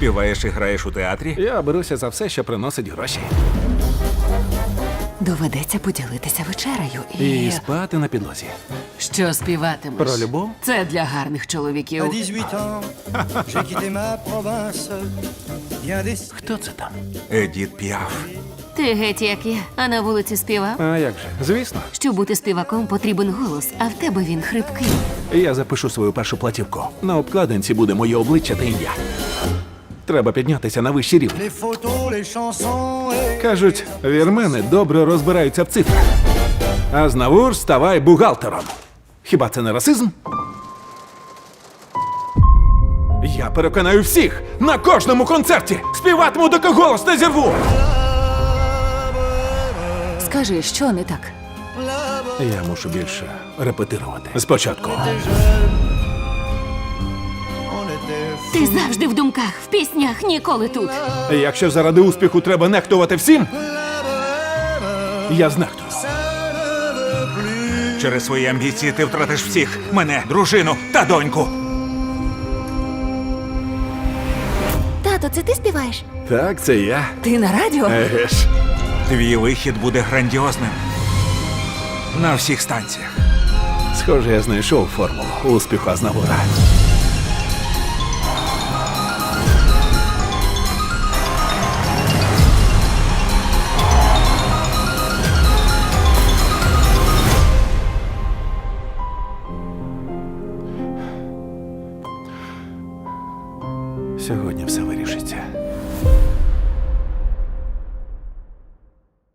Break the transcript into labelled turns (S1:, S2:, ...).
S1: Співаєш і граєш у театрі?
S2: Я беруся за все, що приносить гроші.
S3: Доведеться поділитися вечерею
S2: І спати на підлозі.
S3: Що співатимеш?
S2: Про любов?
S3: Це для гарних чоловіків.
S4: À 18 ans, j'ai quitté ma province. Bien des...
S2: Хто це там?
S1: Едіт Піаф.
S5: Ти геть як я, а на вулиці співав.
S2: А як же? Звісно.
S5: Щоб бути співаком, потрібен голос, а в тебе він хрипкий.
S2: Я запишу свою першу платівку. На обкладинці буде моє обличчя та ім'я. Треба піднятися на вищий рівень.
S4: Les photos, les chansons et...
S2: Кажуть, вірмени добре розбираються в цифрах. А Знавур ставай бухгалтером. Хіба це не расизм? Я переконаю всіх на кожному концерті. Співатиму, доки голос не зірву.
S3: Скажи, що не так?
S2: Я мушу більше репетирувати. Спочатку.
S4: On était...
S5: Ти завжди в думках, в піснях, ніколи тут.
S2: Якщо заради успіху треба нехтувати всім, я знехтую.
S1: Через свої амбіції ти втратиш всіх. Мене, дружину та доньку.
S5: Тато, це ти співаєш?
S2: Так, це я.
S3: Ти на радіо?
S2: Еге ж.
S1: Твій вихід буде грандіозним. На всіх станціях.
S2: Схоже, я знайшов формулу успіху Азнавура. Сьогодні все вирішиться.